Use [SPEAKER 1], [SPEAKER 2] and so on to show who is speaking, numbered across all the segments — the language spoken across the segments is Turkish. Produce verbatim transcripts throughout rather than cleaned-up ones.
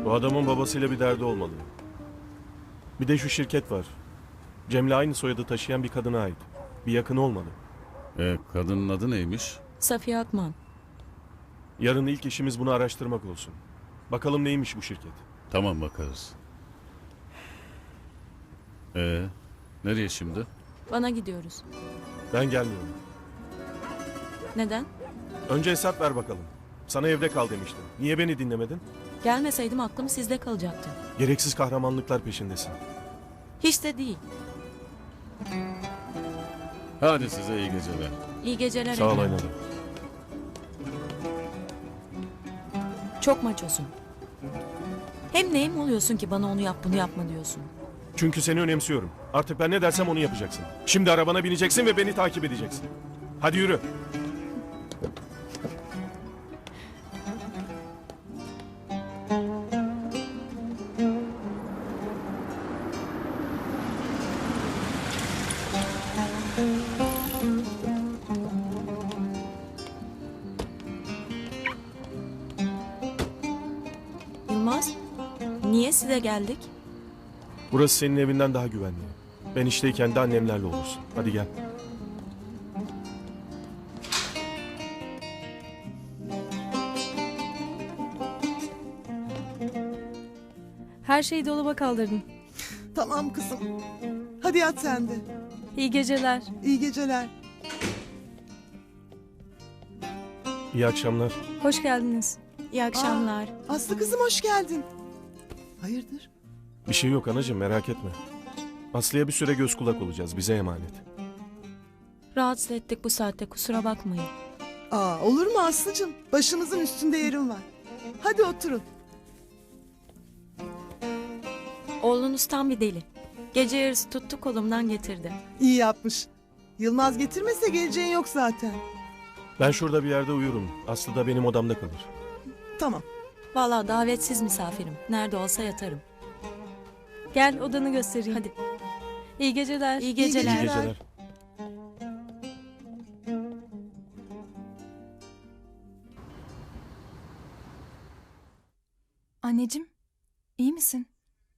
[SPEAKER 1] Bu adamın babasıyla bir derdi olmalı. Bir de şu şirket var. Cem'le aynı soyadı taşıyan bir kadına ait. Bir yakını olmalı.
[SPEAKER 2] E, kadının adı neymiş?
[SPEAKER 3] Safiye Akman.
[SPEAKER 1] Yarın ilk işimiz bunu araştırmak olsun. Bakalım neymiş bu şirket.
[SPEAKER 2] Tamam, bakarız. E, nereye şimdi?
[SPEAKER 3] Bana gidiyoruz.
[SPEAKER 1] Ben gelmiyorum.
[SPEAKER 3] Neden?
[SPEAKER 1] Önce hesap ver bakalım. Sana evde kal demiştim. Niye beni dinlemedin?
[SPEAKER 3] Gelmeseydim aklım sizde kalacaktı.
[SPEAKER 1] Gereksiz kahramanlıklar peşindesin.
[SPEAKER 3] Hiç de değil.
[SPEAKER 2] Hadi size iyi geceler.
[SPEAKER 3] İyi geceler
[SPEAKER 1] Sağ ol
[SPEAKER 3] Ekrem.
[SPEAKER 1] Aynalı.
[SPEAKER 3] Çok maçosun. Hem neyim oluyorsun ki bana onu yap bunu yapma diyorsun.
[SPEAKER 1] Çünkü seni önemsiyorum. Artık ben ne dersem onu yapacaksın. Şimdi arabana bineceksin ve beni takip edeceksin. Hadi yürü.
[SPEAKER 3] Yılmaz, niye size geldik?
[SPEAKER 1] Burası senin evinden daha güvenli. Ben işteyken de annemlerle olursun. Hadi gel.
[SPEAKER 4] Her şeyi dolaba kaldırdım.
[SPEAKER 5] Tamam kızım. Hadi yat sen de.
[SPEAKER 4] İyi geceler.
[SPEAKER 5] İyi geceler.
[SPEAKER 1] İyi akşamlar.
[SPEAKER 4] Hoş geldiniz.
[SPEAKER 3] İyi akşamlar.
[SPEAKER 5] Aslı kızım hoş geldin. Hayırdır?
[SPEAKER 1] Bir şey yok anacığım, merak etme. Aslı'ya bir süre göz kulak olacağız. Bize emanet.
[SPEAKER 3] Rahatsız ettik bu saatte, kusura bakmayın.
[SPEAKER 5] Aa, olur mu Aslı'cığım? Başımızın üstünde yerim var. Hadi oturun.
[SPEAKER 3] Oğlunuz tam bir deli. Gece yarısı tuttu kolumdan getirdi.
[SPEAKER 5] İyi yapmış. Yılmaz getirmese geleceğin yok zaten.
[SPEAKER 1] Ben şurada bir yerde uyurum. Aslı da benim odamda kalır.
[SPEAKER 5] Tamam.
[SPEAKER 3] Vallahi davetsiz misafirim. Nerede olsa yatarım.
[SPEAKER 4] Gel odanı göstereyim.
[SPEAKER 3] Hadi.
[SPEAKER 4] İyi geceler.
[SPEAKER 3] İyi
[SPEAKER 1] İyi
[SPEAKER 3] geceler.
[SPEAKER 1] geceler.
[SPEAKER 6] Anneciğim, iyi misin?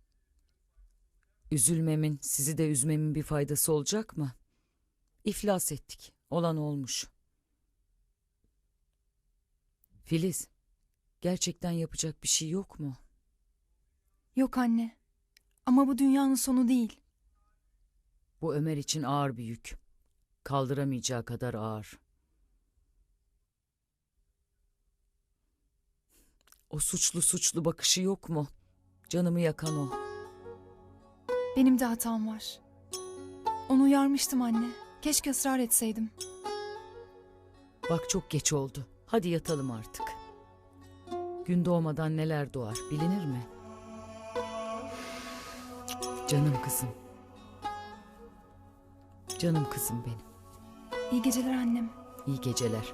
[SPEAKER 7] Üzülmemin, sizi de üzmemin bir faydası olacak mı? İflas ettik. Olan olmuş. Filiz, gerçekten yapacak bir şey yok mu?
[SPEAKER 6] Yok anne. Ama bu dünyanın sonu değil.
[SPEAKER 7] Bu Ömer için ağır bir yük. Kaldıramayacağı kadar ağır. O suçlu suçlu bakışı yok mu? Canımı yakan o.
[SPEAKER 6] Benim de hatam var. Onu uyarmıştım anne. Keşke ısrar etseydim.
[SPEAKER 7] Bak çok geç oldu. Hadi yatalım artık. Gün doğmadan neler doğar bilinir mi? Canım kızım. Canım kızım benim.
[SPEAKER 6] İyi geceler annem.
[SPEAKER 7] İyi geceler.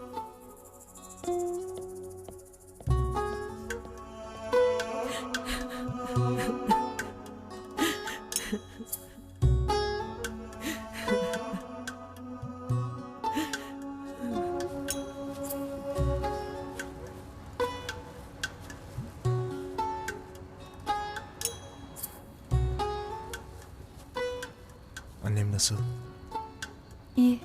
[SPEAKER 8] Annem nasıl?
[SPEAKER 6] İyi.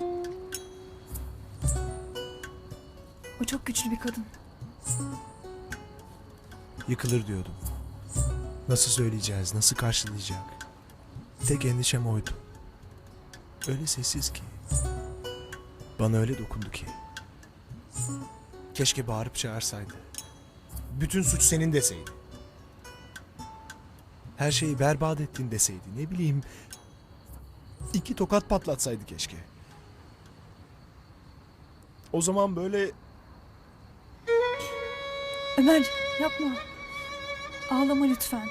[SPEAKER 6] O çok güçlü bir kadın.
[SPEAKER 8] Yıkılır diyordum. Nasıl söyleyeceğiz, nasıl karşılayacak? Tek endişem oydu. Öyle sessiz ki. Bana öyle dokundu ki. Keşke bağırıp çağırsaydı. Bütün suç senin deseydi. Her şeyi berbat ettin deseydi. Ne bileyim... İki tokat patlatsaydı keşke. O zaman böyle...
[SPEAKER 6] Ömer yapma. Ağlama lütfen.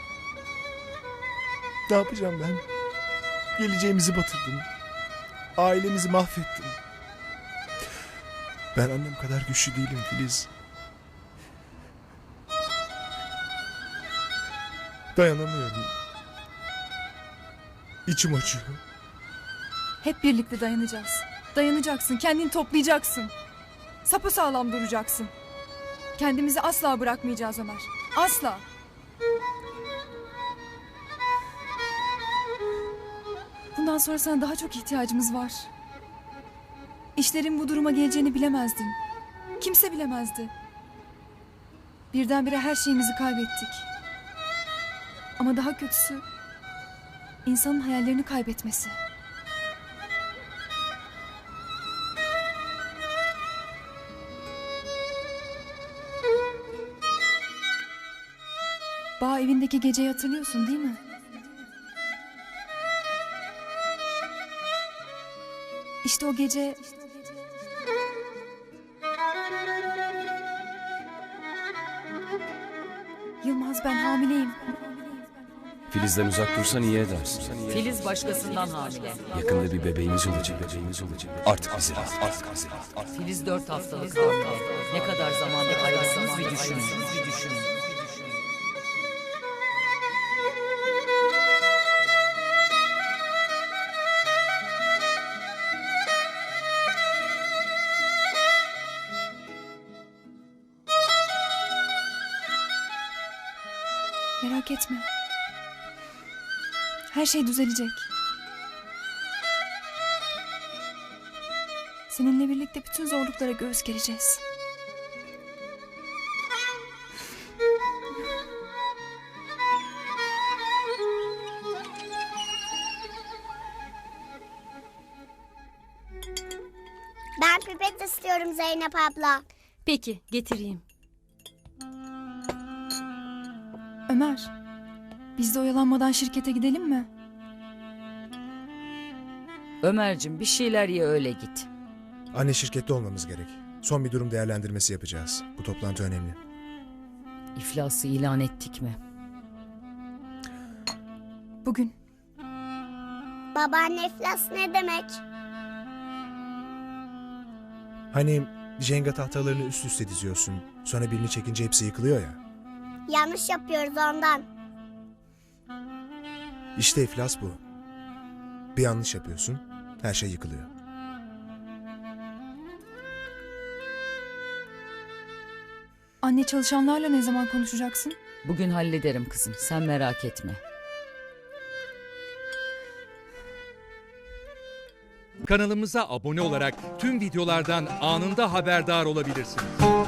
[SPEAKER 8] Ne yapacağım ben? Geleceğimizi batırdın. Ailemizi mahvettin. Ben annem kadar güçlü değilim Filiz. Dayanamıyorum. İçim acıyor.
[SPEAKER 6] Hep birlikte dayanacağız. Dayanacaksın, kendini toplayacaksın. Sapasağlam duracaksın. Kendimizi asla bırakmayacağız Ömer. Asla. Bundan sonra sana daha çok ihtiyacımız var. İşlerin bu duruma geleceğini bilemezdin. Kimse bilemezdi. Birdenbire her şeyimizi kaybettik. Ama daha kötüsü insanın hayallerini kaybetmesi. Bağ evindeki geceyi hatırlıyorsun değil mi? İşte o gece Yılmaz, ben hamileyim.
[SPEAKER 9] Filiz'den uzak dursan iyi edersin.
[SPEAKER 7] Filiz başkasından hamile.
[SPEAKER 9] Yakında bir bebeğimiz olacak. Bebeğimiz olacak. Artık bizi rahat. Artık bizi rahat.
[SPEAKER 7] Filiz dört haftalık hamile. Ne kadar zamanda ayrısınız bir düşünün. Bir düşünün.
[SPEAKER 6] Merak etme. Her şey düzelecek. Seninle birlikte bütün zorluklara göğüs gereceğiz.
[SPEAKER 10] Ben pipet istiyorum Zeynep abla.
[SPEAKER 4] Peki, getireyim.
[SPEAKER 6] Ömer, biz de oyalanmadan şirkete gidelim mi?
[SPEAKER 7] Ömer'cim bir şeyler ye öyle git.
[SPEAKER 8] Anne, şirkette olmamız gerek. Son bir durum değerlendirmesi yapacağız. Bu toplantı önemli.
[SPEAKER 7] İflası ilan ettik mi?
[SPEAKER 6] Bugün.
[SPEAKER 10] Babaanne iflas ne demek?
[SPEAKER 8] Hani Jenga tahtalarını üst üste diziyorsun. Sonra birini çekince hepsi yıkılıyor ya.
[SPEAKER 10] Yanlış yapıyoruz ondan.
[SPEAKER 8] İşte iflas bu. Bir yanlış yapıyorsun, her şey yıkılıyor.
[SPEAKER 6] Anne, çalışanlarla ne zaman konuşacaksın?
[SPEAKER 7] Bugün hallederim kızım, sen merak etme.
[SPEAKER 11] Kanalımıza abone olarak tüm videolardan anında haberdar olabilirsiniz.